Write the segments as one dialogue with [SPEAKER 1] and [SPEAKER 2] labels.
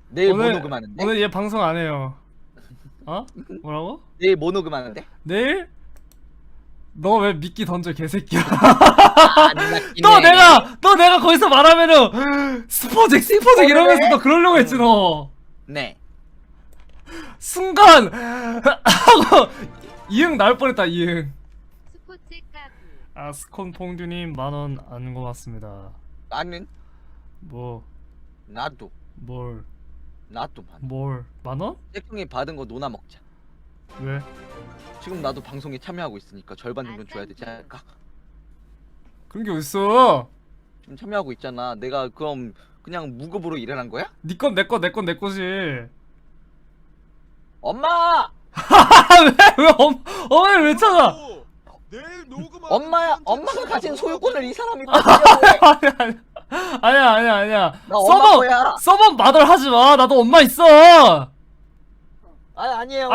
[SPEAKER 1] 내일 뭐
[SPEAKER 2] 오늘
[SPEAKER 1] 녹음하는데?
[SPEAKER 2] 오늘 얘 방송 안 해요. 어? 뭐라고?
[SPEAKER 1] 내일 뭐 녹음하는데?
[SPEAKER 2] 내일? 너 왜 미끼 던져 개새끼야.
[SPEAKER 1] 안
[SPEAKER 2] 너
[SPEAKER 1] 낚이네.
[SPEAKER 2] 내가 거기서 말하면은 스포잭 이러면서 너 그러려고 했지 너.
[SPEAKER 1] 네.
[SPEAKER 2] 순간 하고 이응 나올 뻔했다 이응.
[SPEAKER 3] 스포츠 까부.
[SPEAKER 2] 아 스콘 퐁듀님 10,000원 안 고맙습니다.
[SPEAKER 1] 나는
[SPEAKER 2] 뭐
[SPEAKER 1] 나도
[SPEAKER 2] 뭘
[SPEAKER 1] 나도 만.
[SPEAKER 2] 10,000원?
[SPEAKER 1] 잭형이 받은 거 노나 먹자.
[SPEAKER 2] 왜?
[SPEAKER 1] 지금 나도 방송에 참여하고 있으니까 절반 정도 줘야 되지 않을까?
[SPEAKER 2] 그런 게 어딨어?
[SPEAKER 1] 지금 참여하고 있잖아. 내가 그럼 그냥 무급으로 일하는 거야?
[SPEAKER 2] 니 건 내 건 내 건 내 거지.
[SPEAKER 1] 엄마!
[SPEAKER 2] 왜 어머니 왜 찾아?
[SPEAKER 4] 내일 녹음
[SPEAKER 1] 엄마가 가진 소유권을 이 사람이 뺏으려고 해.
[SPEAKER 2] 아니야.
[SPEAKER 1] 나 엄마 거야.
[SPEAKER 2] 서버 마들 하지 마. 나도 엄마 있어.
[SPEAKER 1] 아니에요.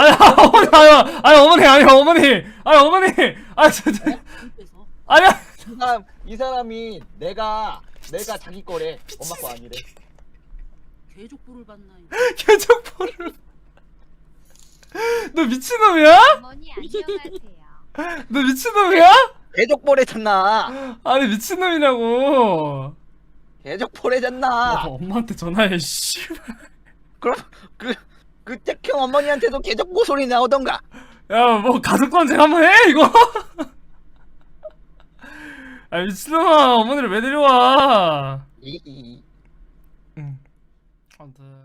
[SPEAKER 2] 어머니. 아 진짜. 아니야.
[SPEAKER 1] 이 사람이 내가 자기 거래. 엄마 거 아니래.
[SPEAKER 5] 괴족부를 받나요?
[SPEAKER 2] 개척포를. 너 미친놈이야?
[SPEAKER 3] 어머니 안녕하세요.
[SPEAKER 2] 너 미친놈이야?
[SPEAKER 1] 개족보래잖아.
[SPEAKER 2] 아니 미친놈이냐고.
[SPEAKER 1] 개족보래잖아.
[SPEAKER 2] 너 엄마한테 전화해 씨.
[SPEAKER 1] 그럼 그 잭형 어머니한테도 개족보 소리 나오던가.
[SPEAKER 2] 야 뭐 가족 관쟁 한번 해 이거. 아 미친놈아 어머니를 왜 데려와.
[SPEAKER 1] 이
[SPEAKER 2] 응. 아무튼